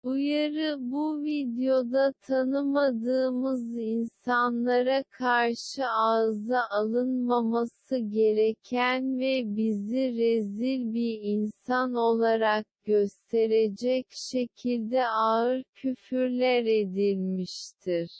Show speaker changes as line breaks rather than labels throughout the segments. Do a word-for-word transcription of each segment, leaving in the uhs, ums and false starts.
Uyarı: bu videoda tanımadığımız insanlara karşı ağza alınmaması gereken ve bizi rezil bir insan olarak gösterecek şekilde ağır küfürler edilmiştir.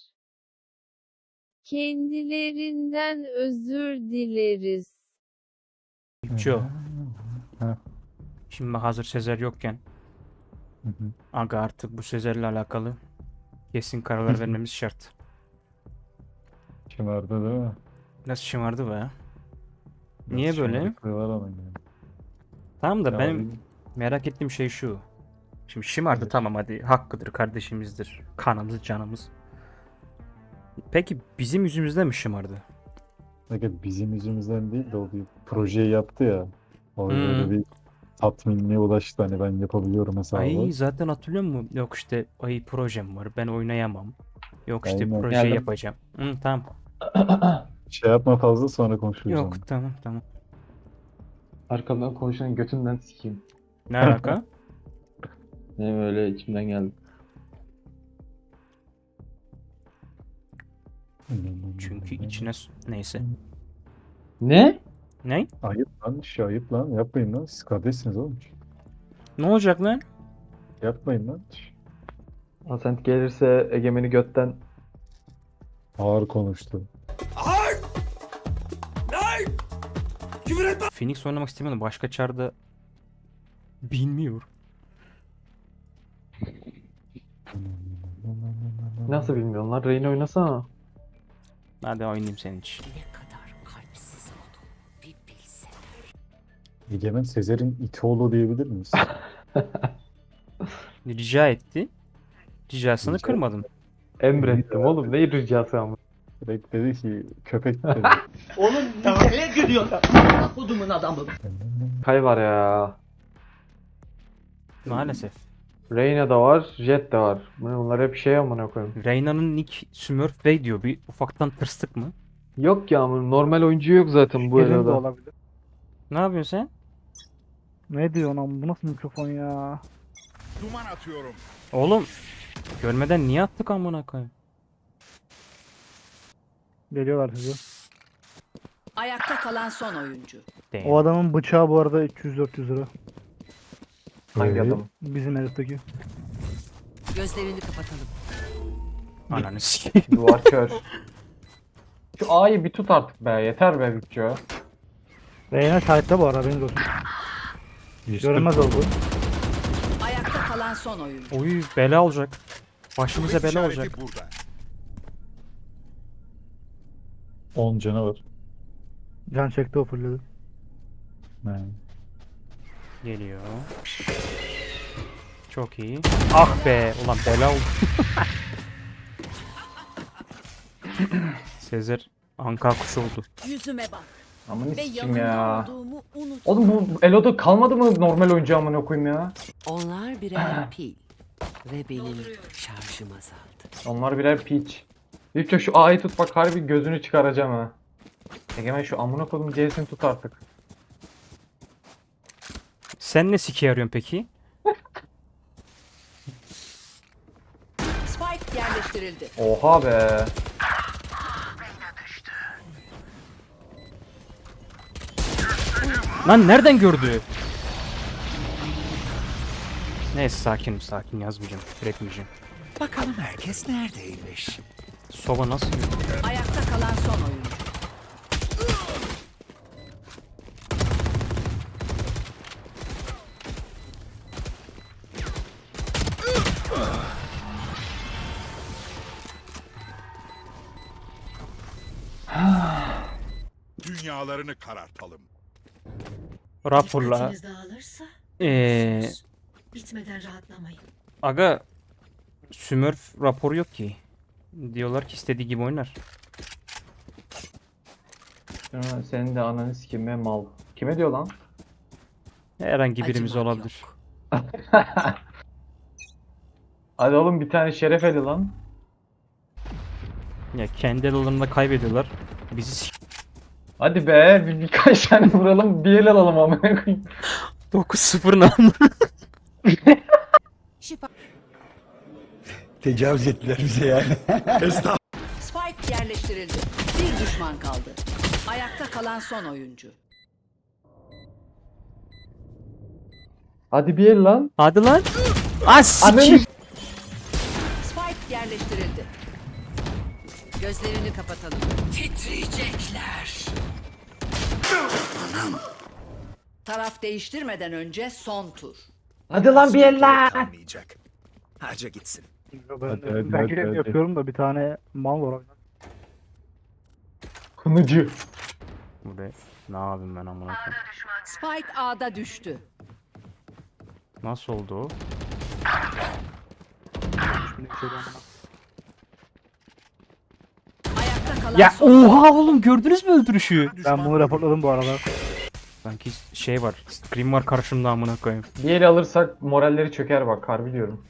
Kendilerinden özür dileriz.
Joe.
Ha.
Şimdi hazır Sezer yokken
Hı hı.
aga artık bu Sezer'le alakalı kesin kararlar vermemiz şart.
Şımardı değil mi?
Nasıl şımardı be?
Biraz
Niye böyle?
şımarıklığı var ama yani.
Tamam da
Ya
benim
abi,
merak ettiğim şey şu. Şimdi şımardı,
Evet.
tamam, hadi hakkıdır, kardeşimizdir. Kanımız, canımız. Peki bizim yüzümüzden mi şımardı?
Fakat bizim yüzümüzden değil de o bir projeyi yaptı ya. O
Hmm.
böyle bir tatminliğe ulaştı, hani ben yapabiliyorum hesabı.
Ay zaten hatırlıyor musun? Yok işte ay projem var, ben oynayamam. Yok işte
Aynen.
proje
Geldim.
yapacağım. Hı, tamam.
Şey yapma fazla, sonra konuşuruz
Yok
onu.
tamam tamam.
Arkamdan konuşanın götünden sikeyim.
Ne alaka?
Benim öyle içimden geldi.
Çünkü içine s- neyse.
Ne?
Ne?
Ayıp lan, şey ayıp lan. Yapmayın lan. Siz kardeşsiniz oğlum.
Ne olacak lan?
Yapmayın lan.
Asent gelirse Egemen'i götten
Ağır konuştu.
Phoenix oynamak istemiyorum. Başka çarda bilmiyor.
nasıl bilmiyorum lan, Reyna oynasana.
Hadi oynayayım senin için.
Egemen Sezer'in iti oğlu diyebilir miyiz?
Rica etti. Ricasını
Rica-
kırmadım.
Emrettim oğlum, ne ricası ama.
Direkt dedi ki köpek dedi.
Oğlum nereye gülüyorsun? Kodumun adamı.
Kay var ya.
Maalesef.
Reyna da var, Jet de var. Bunlar hep şey amına koyayım.
Reyna'nın nick Smurf Bey diyor. Bir ufaktan tırstık mı?
Yok ya amına, normal oyuncu yok zaten bu
Gelin de
arada.
olabilir.
Ne yapıyorsun sen?
Ne diyorsun ama bu nasıl mikrofon ya?
Duman atıyorum.
Oğlum görmeden niye attık amına koyayım?
Geliyorlar size.
Ayakta kalan son oyuncu.
Damn.
O adamın bıçağı bu arada üç yüz dört yüz lira.
Hangi
Evet.
adam?
Bizim herifteki.
Gözlerini kapatalım.
Ananı sikeyim.
Duvar kör. Şu A'yı bir tut artık be, yeter be Bütço.
Reyna şahitte bu arada, benim olsun. Görünmez oldu.
Ayakta kalan son oyuncu.
Oy bela olacak. Başımıza
Kuvvet
bela
işareti
olacak.
burada.
on canavar.
Can çekti, o fulledi.
Yani.
Geliyor. Çok iyi. Ah be. Ulan bela oldu. Sezer anka kuşu oldu.
Yüzüme bak
Aman
ve
sikim
yanında
ya.
olduğumu unut.
Oğlum bu Elo'da kalmadı mı normal oyuncu amına koyayım ya?
Onlar birer pil ve benim şarjım azaldı.
Onlar birer piç. Bütço şu A'yı tut bak, harbi gözünü çıkaracağım ha. Egemen şu amına koydum C'sini tut artık.
Sen ne siki arıyorsun peki?
Spike yerleştirildi.
Oha be.
Lan nereden gördü? Neyse sakin sakin, yazmayacağım. Üretmeyeceğim.
Bakalım herkes neredeymiş?
Soba nasıl gördü?
Ayakta kalan son oyuncu.
Dünyalarını karartalım.
Raporla.
Dikkatiniz dağılırsa
Eee
ölürsünüz. Bitmeden rahatlamayın.
aga Smurf raporu yok ki. Diyorlar ki istediği gibi oynar.
Ya senin de ananı sikeyim be mal. Kime diyor lan?
Herhangi birimiz
Acımak
olabilir.
yok.
Hadi oğlum bir tane şeref eli lan.
Ya kendi aralarında kaybediyorlar. Bizi s-
Hadi be bir, birkaç tane vuralım, bir el alalım amına koyayım.
dokuz sıfır namlı.
Şifa.
Tecavüz ettiler bize yani.
Spike yerleştirildi. Bir düşman kaldı. Ayakta kalan son oyuncu.
Hadi bir el lan.
Hadi lan. As
Ananı
sikeyim.
Spike yerleştirildi. Gözlerini kapatalım. Titriyecekler. Taraf değiştirmeden önce son tur.
Hadi lan bir el lan.
Kalmayacak. Harca gitsin.
Ben,
Hadi, hadi,
ben
hadi,
görev
hadi.
yapıyorum da bir tane mal var.
Kınıcı.
Buraya ne yapayım ben amına koyayım?
Spike A'da düştü.
Nasıl oldu o?
Şimdi bir şey de amına.
Ayakta kalan
Ya
son.
oha oğlum gördünüz mü öldürüşü?
Ben bunu raporladım bu arada.
Sanki şey var. Scream var karşımda amına koyayım.
Bir el alırsak moralleri çöker bak harbi diyorum.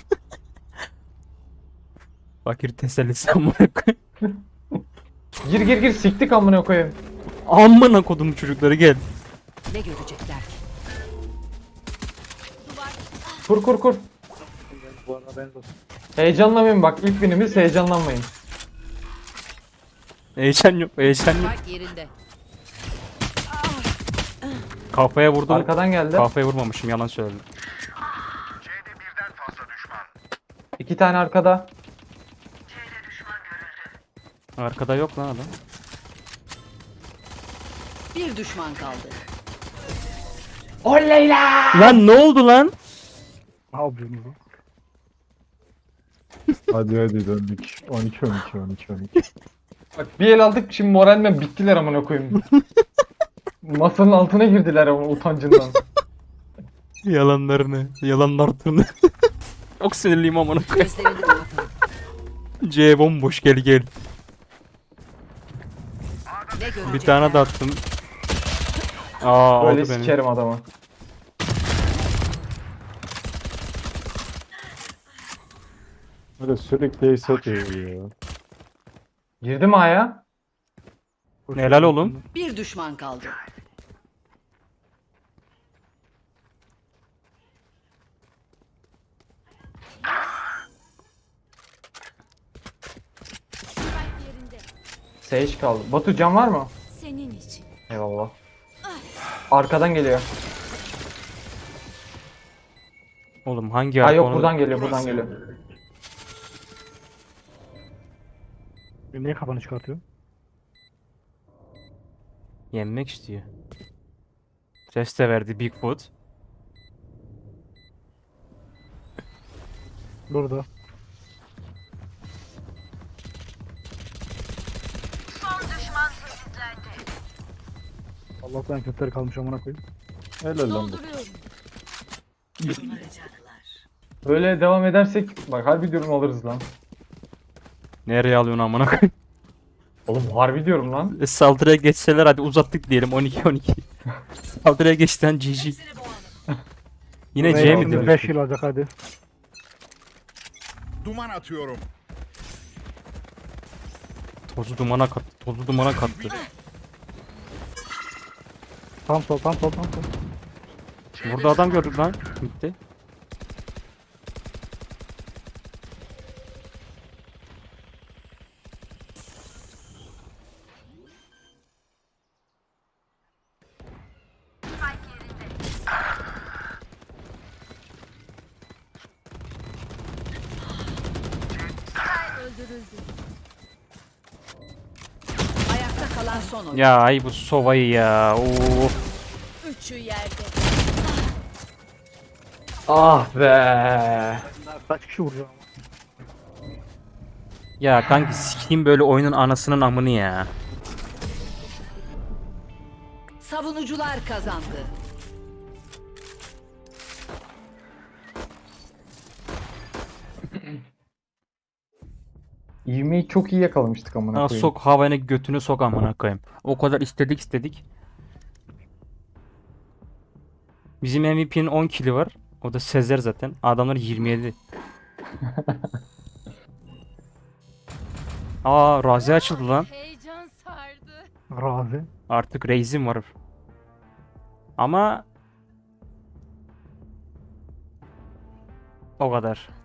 Fakir tesellisi amına koyayım.
Gir gir gir siktik amına koyayım.
Amına kodum çocukları gel.
Ne görecekler ki?
Kur kur kur.
Bu arada ben olsun.
Heyecanlamayın bak ilk günümüz heyecanlanmayın.
Heyecan yok, heyecan yok.
Spike yerinde.
Kafaya vurdum.
Arkadan geldi.
Kafaya vurmamışım yalan söyledim.
İki tane arkada.
Arkada yok lan adam.
Bir düşman kaldı.
Oley lan!
Lan ne oldu lan?
Ne yapıyorsunuz lan?
Hadi hadi döndük. on iki on iki on iki on iki.
Bak bir el aldık şimdi moralmen bittiler amına koyayım. Masanın altına girdiler ama utancından.
Yalanlarını, yalanlarını. Çok sinirliyim amına koyayım.
Gözlerini kapatalım.
C bomboş gel gel.
Ne görecekler?
Bir tane de attım. Aa
Böyle
aldı beni.
sikerim adamı.
Böyle sürekli ace atıyor ya.
Girdi mi A'ya?
Helal oğlum.
Bir düşman kaldı.
Sage kaldı. Batu can var mı?
Senin için.
Eyvallah. Arkadan geliyor.
Oğlum hangi
Ha
arka
yok
onu-
buradan geliyor buradan geliyor.
Niye kafanı çıkartıyor?
Yenmek istiyor. Ses de verdi Bigfoot.
Burada. Allah'tan kötüleri kalmış amına koyayım.
Helal lan bu.
Böyle devam edersek bak harbi diyorum alırız lan.
Nereye alıyorsun amına koyayım?
Oğlum harbi diyorum lan.
E, Saldırıya geçseler hadi uzattık diyelim on iki on iki. Saldırıya geçten G G. Yine C mi
beş
demiş?
yıl olacak hadi.
Duman atıyorum.
Tozu dumana kattı. Tozu dumana kattı.
Tam sol tam sol tam sol.
Burada adam gördük lan. Gitti.
Ayakta kalan son oyuncu.
Ya ay bu sovayı ya. Oo.
Üçü yerde.
Ah be.
Kaç kişi vuracağım ama.
Ya kanki sikeyim böyle oyunun anasının amını ya.
Savunucular kazandı.
İvmeyi çok iyi yakalamıştık amına
Ha,
koyayım.
sok havaya götünü sok amına koyayım. O kadar istedik istedik. Bizim M V P'nin on kili var. O da Sezer zaten. Adamlar yirmi yedi. Aa Razi açıldı lan.
Heyecan sardı.
Razi.
Artık Reis'im var. Ama o kadar.